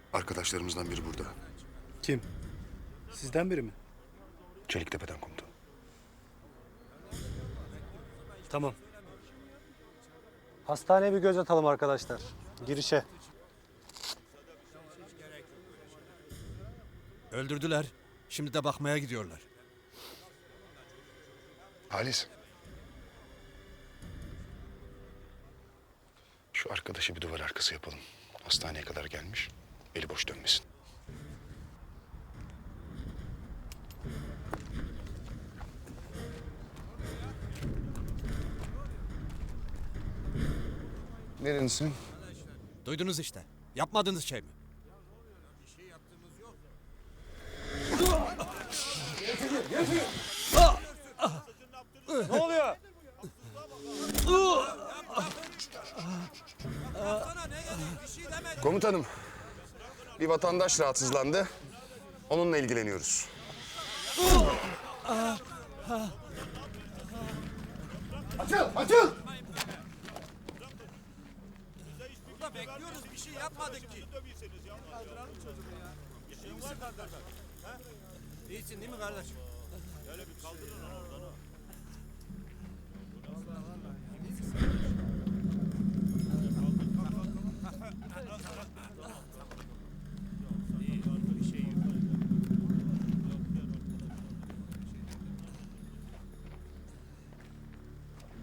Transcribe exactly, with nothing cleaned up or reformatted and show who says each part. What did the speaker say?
Speaker 1: Arkadaşlarımızdan biri burada.
Speaker 2: Kim? Sizden biri mi?
Speaker 1: Çeliktepe'den komutanım.
Speaker 2: Tamam. Hastaneye bir göz atalım arkadaşlar. Girişe.
Speaker 3: Öldürdüler. Şimdi de bakmaya gidiyorlar.
Speaker 1: Halis. Şu arkadaşı bir duvar arkası yapalım. Hastaneye kadar gelmiş. Eli boş dönmesin. Nerelisin?
Speaker 3: Duydunuz işte. Yapmadığınız şey mi?
Speaker 2: Ne oluyor?
Speaker 1: Komutanım. Bir vatandaş rahatsızlandı. Onunla ilgileniyoruz.
Speaker 4: Açıl, açıl!
Speaker 3: Burada bekliyoruz. Bir şey yapmadık ki. İyisin değil mi kardeşim?